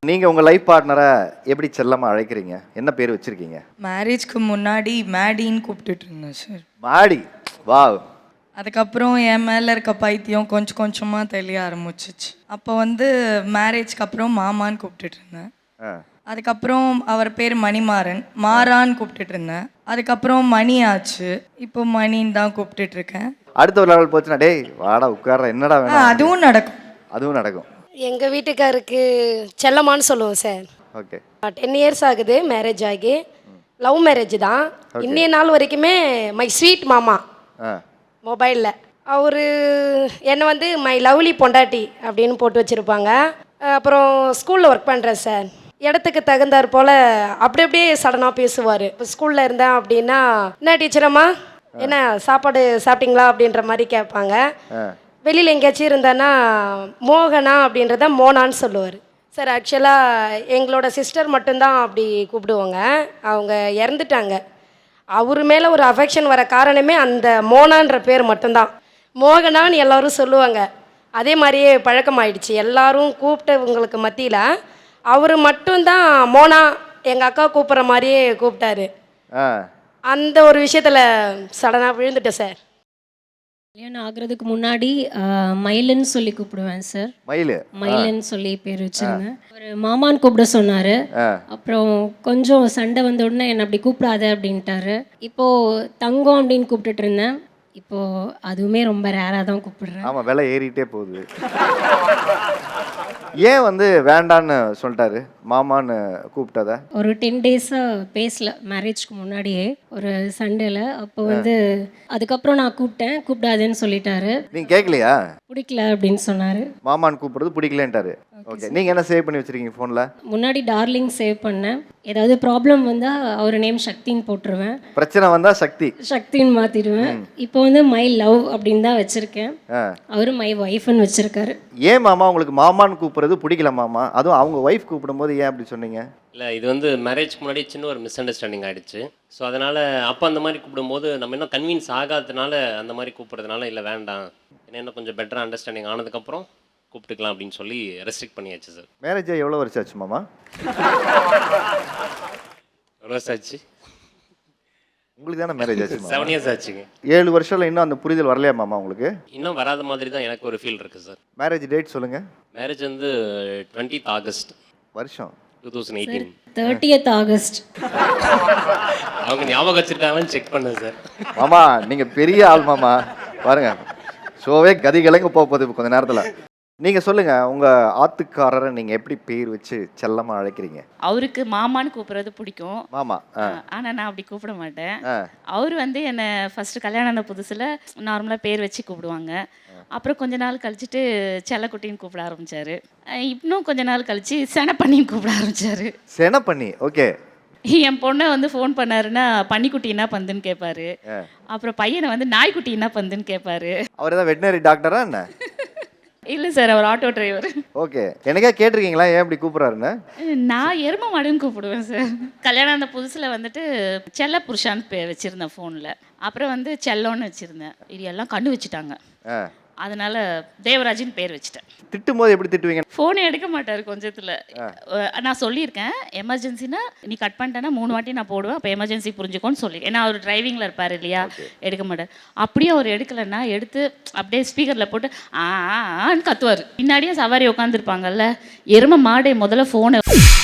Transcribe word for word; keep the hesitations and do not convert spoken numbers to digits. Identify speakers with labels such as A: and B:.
A: நீங்க உங்க லைஃப் பார்ட்னரை எப்படி செல்லமா அழைக்கிறீங்க? என்ன பேர் வச்சிருக்கீங்க?
B: மேரேஜ்க்கு முன்னாடி மேடின்னு கூப்பிட்டுட்டு இருந்தேன் சார்.
A: மாடி. வாவ்.
B: அதுக்கப்புறம் என் மேலே இருக்க பைத்தியம் கொஞ்சம் கொஞ்சமாக தெளிய ஆரம்பிச்சிச்சு. அப்போ வந்து மேரேஜ்க்கு அப்புறம் மாமான்னு கூப்பிட்டுட்டு இருந்தேன். அதுக்கப்புறம் அவர் பேர் மணிமாறன், மாறான்னு கூப்பிட்டுட்டு இருந்தேன். அதுக்கப்புறம் மணி ஆச்சு, இப்போ மணின்னு தான் கூப்பிட்டுட்டு இருக்கேன்.
A: அடுத்த ஒரு லெவல் போச்சுன்னா டேய் வாடா உட்கார்ற என்னடா வேணும்,
B: அதுவும் நடக்கும்.
A: அதுவும் நடக்கும்.
C: எங்கள் வீட்டுக்காருக்கு செல்லம்மான்னு சொல்லுவோம் சார்.
A: ஓகே.
C: டென் இயர்ஸ் ஆகுது மேரேஜ் ஆகி. லவ் மேரேஜ் தான். இன்னைய நாள் வரைக்குமே மை ஸ்வீட் மாமா மொபைலில் அவர் என்னை வந்து மை லவ்லி பொண்டாட்டி அப்படின்னு போட்டு வச்சுருப்பாங்க. அப்புறம் ஸ்கூலில் ஒர்க் பண்ணுறேன் சார். இடத்துக்கு தகுந்தாற் போல் அப்படி அப்படியே சடனாக பேசுவார். இப்போ ஸ்கூலில் இருந்தேன் அப்படின்னா என்ன டீச்சரம்மா என்ன சாப்பாடு சாப்பிட்டீங்களா அப்படின்ற மாதிரி கேட்பாங்க. வெளியில் எங்கேயாச்சும் இருந்தானா மோகனா அப்படின்றத மோனான்னு சொல்லுவார் சார். ஆக்சுவலாக எங்களோட சிஸ்டர் மட்டும்தான் அப்படி கூப்பிடுவாங்க. அவங்க இறந்துட்டாங்க. அவர் மேலே ஒரு அஃபெக்ஷன் வர காரணமே அந்த மோனான்ற பேர் மட்டும்தான். மோகனான்னு எல்லோரும் சொல்லுவாங்க. அதே மாதிரியே பழக்கமாயிடுச்சு. எல்லோரும் கூப்பிட்டவங்களுக்கு மத்தியில் அவர் மட்டும்தான் மோனா எங்கள் அக்கா கூப்பிட்ற மாதிரியே கூப்பிட்டாரு. அந்த ஒரு விஷயத்தில் சடனாக விழுந்துட்டேன் சார்.
D: கல்யாணம் ஆகுறதுக்கு முன்னாடி மயிலுன்னு சொல்லி கூப்பிடுவேன் சார்.
A: மயிலு
D: மயிலுன்னு சொல்லி பேர் வச்சிருந்தேன். அவர் மாமான்னு கூப்பிட சொன்னார். அப்புறம் கொஞ்சம் சண்டை வந்த உடனே என்னை அப்படி கூப்பிடாத அப்படின்ட்டாரு. இப்போது தங்கம் அப்படின்னு கூப்பிட்டுட்டு இருந்தேன். இப்போது அதுவுமே ரொம்ப ரேராக தான் கூப்பிடுறேன்.
A: ஆமாம், விலை ஏறிட்டே போகுது. ஏன் வந்து வேண்டான்னு சொல்லிட்டாரு மாமான்னு கூப்பிட்டத?
D: ஒரு டென் டேஸாக பேசல மேரேஜ்க்கு முன்னாடியே ஒரு சண்டேல. அப்போ வந்து அதுக்கப்புறம் நான் கூப்பிட்டேன், கூப்பிடாதுன்னு சொல்லிட்டாரு.
A: நீங்கள் கேட்கலையா?
D: பிடிக்கல அப்படின்னு சொன்னார்.
A: மாமான்னு கூப்பிடுறது பிடிக்கலன்ட்டாரு. ஓகே. நீங்கள் என்ன சேவ் பண்ணி வச்சுருக்கீங்க ஃபோனில்?
D: முன்னாடி டார்லிங் சேவ் பண்ணேன். ஏதாவது ப்ராப்ளம் வந்தால் அவர் நேம் சக்தின்னு போட்டுருவேன்.
A: பிரச்சனை வந்தால் சக்தி
D: சக்தின்னு மாற்றிடுவேன். இப்போ வந்து மை லவ் அப்படின்னு தான் வச்சுருக்கேன். அவரு மை ஒய்ஃப்னு வச்சுருக்காரு.
A: ஏன் மாமா உங்களுக்கு மாமான்னு கூப்பிட்றது பிடிக்கல மாமா? அதுவும் அவங்க ஒய்ஃப் கூப்பிடும்போது ஏன் அப்படி சொன்னீங்க?
E: இல்லை, இது வந்து மேரேஜ்க்கு முன்னாடி சின்ன ஒரு மிஸ் அண்டர்ஸ்டாண்டிங் ஆகிடுச்சு. ஸோ அதனால் அப்போ அந்த மாதிரி கூப்பிடும்போது நம்ம இன்னும் கன்வின்ஸ் ஆகாததுனால அந்த மாதிரி கூப்பிட்றதுனால இல்லை வேண்டாம், ஏன்னா இன்னும் கொஞ்சம் பெட்டராக அண்டர்ஸ்டாண்டிங் ஆனதுக்கப்புறம் கூப்பிட்டுக்கலாம் அப்படின்னு சொல்லி ரெஸ்ட்ரிக்ட் பண்ணியாச்சு சார்.
A: மேரேஜ் எவ்வளோ வருஷம் ஆச்சு மாமா?
E: எவ்வளோ வருஷம் ஆச்சு?
A: உங்களுக்கு தானே மேரேஜ் ஆச்சு?
E: செவன் இயர்ஸ் ஆச்சுங்க.
A: ஏழு வருஷம்ல இன்னும் அந்த புரிதல் வரலையா மாமா உங்களுக்கு?
E: இன்னும் வராத மாதிரி தான் எனக்கு ஒரு ஃபீல் இருக்குது சார்.
A: மேரேஜ் டேட் சொல்லுங்கள்.
E: மேரேஜ் வந்து டுவெண்ட்டித் ஆகஸ்ட்
A: வருஷம்
E: two thousand eighteen
D: thirtieth August.
E: அவங்க ஞாபகம் வச்சுருக்காங்கன்னு செக் பண்ணேன் சார்.
A: மாமா நீங்கள் பெரிய ஆள் மாமா, பாருங்க ஷோவே கதி கிழங்கு போக போகுது கொஞ்ச நேரத்தில். நீங்கள் சொல்லுங்கள், உங்கள் ஆத்துக்காரரை நீங்கள் எப்படி பேர் வச்சு செல்லமாக அழைக்கிறீங்க?
F: அவருக்கு மாமான்னு கூப்பிட்றது பிடிக்கும்.
A: மாமா.
F: ஆனால் நான் அப்படி கூப்பிட மாட்டேன். அவர் வந்து என்னை ஃபஸ்ட்டு கல்யாணம் ஆன புதுசில் நார்மலாக பேர் வச்சு கூப்பிடுவாங்க. அப்புறம் கொஞ்ச நாள் கழிச்சுட்டு செல்லக்குட்டின்னு கூப்பிட ஆரம்பித்தார். இன்னும் கொஞ்ச நாள் கழிச்சு செனப்பண்ணின்னு கூப்பிட ஆரம்பித்தார்.
A: செனப்பண்ணி. ஓகே.
F: என் பொண்ணை வந்து ஃபோன் பண்ணாருன்னா பன்னிக்குட்டி என்ன பந்துன்னு கேட்பாரு. அப்புறம் பையனை வந்து நாய்க்குட்டி என்ன பந்துன்னு கேட்பாரு.
A: அவர் ஏதாவது வெட்டினரி டாக்டரா என்ன?
F: இல்லை சார், அவர் ஆட்டோ டிரைவர்.
A: ஓகே. எனக்கே கேட்டிருக்கீங்களா ஏன் இப்படி கூப்பிட்றாருன்னு?
F: நான் எரும மாடுன்னு கூப்பிடுவேன் சார். கல்யாணம் அந்த புதுசில் வந்துட்டு செல்ல புருஷான்னு பே வச்சுருந்தேன் ஃபோனில். அப்புறம் வந்து செல்லோன்னு வச்சுருந்தேன். இது எல்லாம் கண்டு வச்சுட்டாங்க. அதனால தேவராஜின்னு பேர் வச்சுட்டேன்.
A: திட்டும் போது எப்படி திட்டுவீங்க?
F: ஃபோனே எடுக்க மாட்டார் கொஞ்சத்தில். நான் சொல்லியிருக்கேன், எமர்ஜென்சினா நீ கட் பண்ணிட்டேன்னா மூணு வாட்டி நான் போடுவேன், அப்போ எமர்ஜென்சி புரிஞ்சுக்கோன்னு சொல்லி. ஏன்னா அவர் டிரைவிங்கில் இருப்பார் இல்லையா, எடுக்க மாட்டார். அப்படியே அவர் எடுக்கலைன்னா எடுத்து அப்படியே ஸ்பீக்கரில் போட்டு ஆன்னு கத்துவார். பின்னாடியே சவாரி உட்காந்துருப்பாங்கல்ல, எருமை மாடே முதல்ல ஃபோனை